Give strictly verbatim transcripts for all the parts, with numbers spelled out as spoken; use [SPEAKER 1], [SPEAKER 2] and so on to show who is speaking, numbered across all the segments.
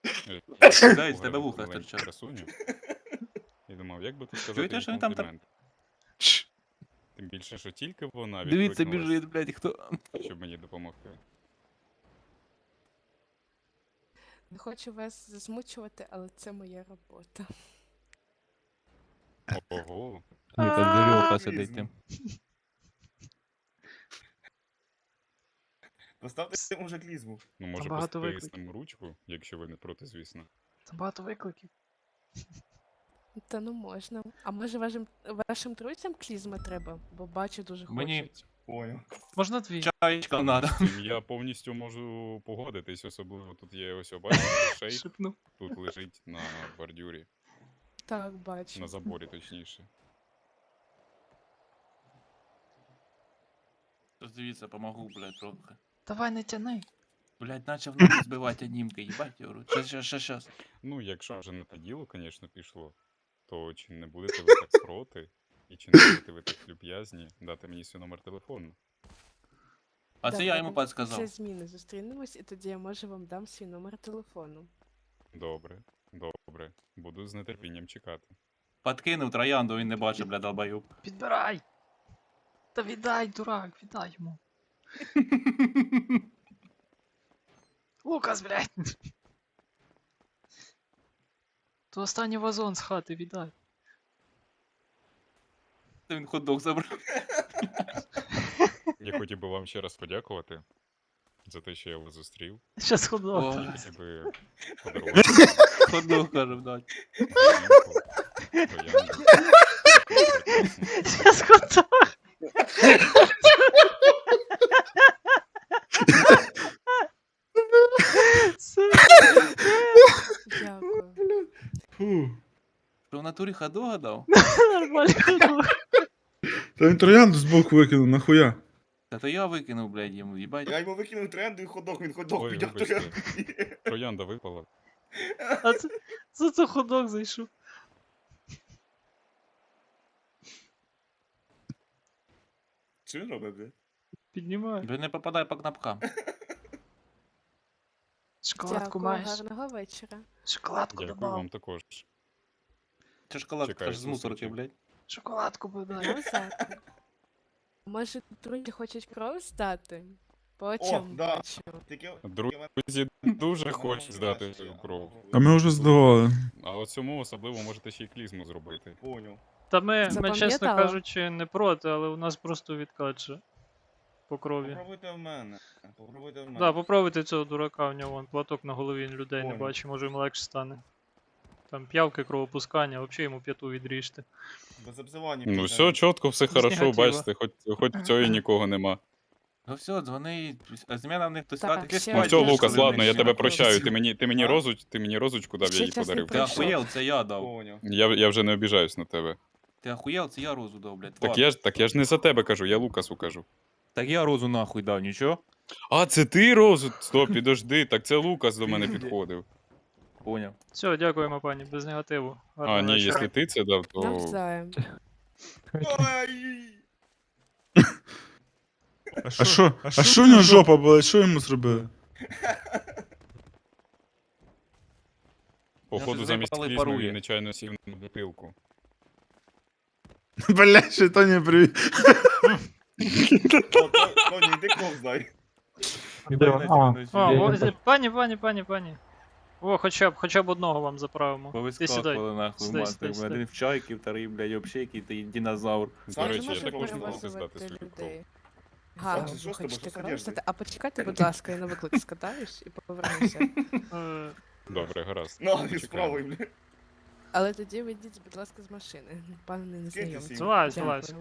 [SPEAKER 1] Дай, з тебе вуха
[SPEAKER 2] маленьку
[SPEAKER 1] стирчать.
[SPEAKER 2] красуню. І думав, як би тут сказати
[SPEAKER 1] Чуєте,
[SPEAKER 2] їй
[SPEAKER 1] що він там так?
[SPEAKER 2] комплімент. Тим більше, що тільки вона
[SPEAKER 1] Дивіться,
[SPEAKER 2] відкликнулась,
[SPEAKER 1] біжить, блядь, хто.
[SPEAKER 2] щоб мені допомогти.
[SPEAKER 3] Не хочу вас засмучувати, але це моя робота.
[SPEAKER 2] Ого.
[SPEAKER 1] Ні, там дурьоха сидить там.
[SPEAKER 4] Поставте цьому вже клізму.
[SPEAKER 2] Ну, може
[SPEAKER 5] багато
[SPEAKER 2] поставити ручку, якщо ви не проти, звісно.
[SPEAKER 5] Там багато викликів.
[SPEAKER 3] Та ну можна. А може вашим, вашим друзям клізма треба? Бо бачу дуже хочуть.
[SPEAKER 1] Мені-
[SPEAKER 4] Понял.
[SPEAKER 5] Можна дві?
[SPEAKER 1] Чаєчка надо.
[SPEAKER 2] З цим я повністю можу погодитись, особливо тут є ось бачите, шейк,
[SPEAKER 5] Шипну.
[SPEAKER 2] тут лежить на бордюрі,
[SPEAKER 3] Так, бачу.
[SPEAKER 2] на заборі точніше.
[SPEAKER 1] Дивіться, помогу, блядь, трохи.
[SPEAKER 5] Давай не тяни.
[SPEAKER 1] Блядь, начав ноги збивати анімки, їбать, я говорю. Щас, щас, щас, щас.
[SPEAKER 2] Ну, якщо вже на те діло, звісно, пішло, то чи не будете ви так проти, і чи не будете ви так люб'язні дати мені свій номер телефону?
[SPEAKER 1] А це я йому
[SPEAKER 3] Давай
[SPEAKER 1] підсказав.
[SPEAKER 3] Це зміни зустрінемось, і тоді я може вам дам свій номер телефону.
[SPEAKER 2] Добре, добре. Буду з нетерпінням чекати.
[SPEAKER 1] Подкинув троянду, він не бачив, блядь, долбоюб.
[SPEAKER 5] Підбирай. Та віддай, дурак, віддай йому. Лукас, блядь. То останній вазон з хати віддай.
[SPEAKER 1] Він хот-дог забрав.
[SPEAKER 2] Я хотів би вам ще раз подякувати за те, що я вас зустрів.
[SPEAKER 5] Щас ходок.
[SPEAKER 1] О,
[SPEAKER 2] Хотів би подарувати
[SPEAKER 1] хот-дог, кажу, блядь.
[SPEAKER 2] ялинку, троянду. Таку прекрасну.
[SPEAKER 5] Щас ходок.
[SPEAKER 3] Дякую.
[SPEAKER 6] Фу.
[SPEAKER 1] Що в натурі хот-дога дав?
[SPEAKER 5] Нормальний ходок.
[SPEAKER 6] Та він троянду збоку викинув, нахуя?
[SPEAKER 1] Та то я викинув, блядь, йому, їбать.
[SPEAKER 4] Я йому викинув тренду і ходок, він ходок
[SPEAKER 2] Ой,
[SPEAKER 4] підняв
[SPEAKER 2] вибачте.
[SPEAKER 4] тренду.
[SPEAKER 2] Троянда випала.
[SPEAKER 5] А це, це, це ходок зайшов.
[SPEAKER 4] Що він робить, блядь?
[SPEAKER 5] Піднімай.
[SPEAKER 1] Він не попадає по кнопкам.
[SPEAKER 5] Шоколадку
[SPEAKER 3] Дякую,
[SPEAKER 5] маєш?
[SPEAKER 3] гарного вечора.
[SPEAKER 5] Шоколадку
[SPEAKER 2] Дякую
[SPEAKER 5] добав.
[SPEAKER 2] вам також.
[SPEAKER 1] Це шоколадка
[SPEAKER 2] Чекаю
[SPEAKER 1] аж з мусорки,
[SPEAKER 2] зустрічі.
[SPEAKER 1] блядь.
[SPEAKER 5] Шоколадку подай.
[SPEAKER 3] Навзаєм. Може, друзі хочуть кров здати? По очам
[SPEAKER 4] да.
[SPEAKER 3] бачу.
[SPEAKER 4] Тільки...
[SPEAKER 2] Друзі дуже хочуть здати цю кров.
[SPEAKER 6] А ми вже здавали.
[SPEAKER 2] А от цьому особливо можете ще й клізму зробити.
[SPEAKER 4] Понял.
[SPEAKER 5] Та ми, ми,
[SPEAKER 3] Запам'ятала?
[SPEAKER 5] чесно кажучи, не проти, але у нас просто відкат же. По крові.
[SPEAKER 4] Попробуйте в мене. Попробуйте в мене.
[SPEAKER 5] Да, попробуйте цього дурака, в нього вон платок на голові, він людей не
[SPEAKER 4] Понял.
[SPEAKER 5] бачить, може йому легше стане. Там п'явки, кровопускання, взагалі йому п'яту відріжте.
[SPEAKER 4] Без обзивання.
[SPEAKER 2] Ну
[SPEAKER 4] пізно.
[SPEAKER 2] все, чітко, все
[SPEAKER 5] З
[SPEAKER 2] хорошо,
[SPEAKER 5] негатива.
[SPEAKER 2] бачите, хоч, хоч цього і нікого нема.
[SPEAKER 1] Ну все, дзвони, а зміна в них хтось
[SPEAKER 3] Так,
[SPEAKER 1] сказати,
[SPEAKER 3] ще
[SPEAKER 2] Ну
[SPEAKER 3] Ой,
[SPEAKER 2] все,
[SPEAKER 3] я
[SPEAKER 2] Лукас,
[SPEAKER 3] ж
[SPEAKER 2] ладно, я
[SPEAKER 3] не
[SPEAKER 2] тебе
[SPEAKER 3] знаю.
[SPEAKER 2] прощаю. Ти мені, ти мені
[SPEAKER 4] А?
[SPEAKER 2] розуч, ти мені розочку дав, я
[SPEAKER 3] Ще
[SPEAKER 2] її
[SPEAKER 3] час не
[SPEAKER 2] подарив.
[SPEAKER 1] Ти
[SPEAKER 3] пройшов.
[SPEAKER 1] охуєл, це я дав.
[SPEAKER 4] Понял.
[SPEAKER 2] Я, я вже не обіжаюсь на тебе.
[SPEAKER 1] Ти охуєл, це я розу дав, блядь.
[SPEAKER 2] Так
[SPEAKER 1] Ладно.
[SPEAKER 2] я ж, так я ж не за тебе кажу, я Лукасу кажу.
[SPEAKER 1] Так я розу нахуй дав, нічого?
[SPEAKER 2] А, це ти розу? Стоп, підожди, так це Лукас до мене підходив.
[SPEAKER 1] Поняв.
[SPEAKER 5] Все, дякуємо, пані, без негативу.
[SPEAKER 2] А,
[SPEAKER 5] Гарного
[SPEAKER 2] ні,
[SPEAKER 5] вечора.
[SPEAKER 2] якщо ти це дав, то.
[SPEAKER 3] Навзаєм.
[SPEAKER 4] Ой!
[SPEAKER 6] А що? А що в нього жопа була? Що йому зробили?
[SPEAKER 2] Походу,
[SPEAKER 1] вже
[SPEAKER 2] замість
[SPEAKER 1] запали
[SPEAKER 2] клізми
[SPEAKER 1] парує.
[SPEAKER 2] він нечайно сів на бутилку.
[SPEAKER 6] Бля, що то не привіт.
[SPEAKER 4] О, То- Тоні, йди кров здай.
[SPEAKER 5] А, о, з- пані, пані, пані, пані. О, хоча б, хоча б одного вам заправимо. Ти сідай.
[SPEAKER 1] Повискакували нахуй
[SPEAKER 5] Сідай,
[SPEAKER 1] мати.
[SPEAKER 5] сідай, сідай.
[SPEAKER 1] Один в чайки, вторий, блядь, общейки, ти динозавр.
[SPEAKER 2] До
[SPEAKER 4] Сам
[SPEAKER 2] речі,
[SPEAKER 4] же
[SPEAKER 2] я
[SPEAKER 4] може
[SPEAKER 2] також не
[SPEAKER 4] перевозити
[SPEAKER 2] можу здати свою кров.
[SPEAKER 3] людей. Гарно,
[SPEAKER 4] Саша,
[SPEAKER 3] ви
[SPEAKER 4] що з тобою?
[SPEAKER 3] хочете
[SPEAKER 4] Що з
[SPEAKER 3] кров
[SPEAKER 4] одеждою?
[SPEAKER 3] здати? А почекайте, будь ласка, я на виклик скатаюсь і повернуся.
[SPEAKER 5] Е,
[SPEAKER 2] Добре, гаразд.
[SPEAKER 4] Ну, і
[SPEAKER 2] Чекаємо.
[SPEAKER 4] спробуй, бля.
[SPEAKER 3] Але тоді вийдіть, будь ласка, з машини. Пане незнайомець.
[SPEAKER 4] сім.
[SPEAKER 5] Злазь, злазь.
[SPEAKER 3] Дякую.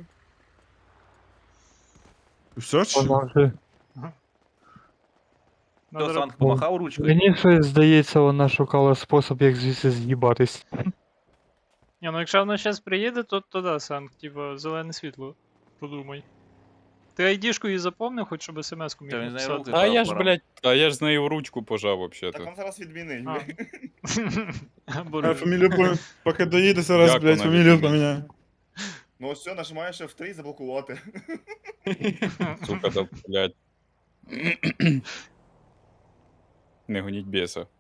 [SPEAKER 6] Все чи?
[SPEAKER 5] надо
[SPEAKER 1] Хто
[SPEAKER 5] роб-
[SPEAKER 1] Санк помахав ручкою?
[SPEAKER 7] Мені щось здається, вона шукала спосіб, як звідси з'їбатись.
[SPEAKER 5] Ні, ну якщо вона зараз приїде, то, то да, Санк, типа, зелене світло. Подумай. Ти айдішку її запомнив, хоч щоб смс-ку міг
[SPEAKER 1] Та він знає
[SPEAKER 5] написати?
[SPEAKER 1] руки.
[SPEAKER 2] А я ж, блядь, а я ж з нею в ручку пожав,
[SPEAKER 4] Так
[SPEAKER 2] взагалі.
[SPEAKER 4] він зараз відмінить,
[SPEAKER 5] А.
[SPEAKER 4] бля.
[SPEAKER 6] А,
[SPEAKER 5] Боже.
[SPEAKER 6] фамілію помі... Поки доїде зараз,
[SPEAKER 2] Як
[SPEAKER 6] блядь,
[SPEAKER 2] вона
[SPEAKER 6] фамілію
[SPEAKER 2] відмінить?
[SPEAKER 6] поміняю.
[SPEAKER 4] Ну ось все, нажимаєш еф три заблокувати.
[SPEAKER 2] Сука, да, блядь. Не гоніть беса.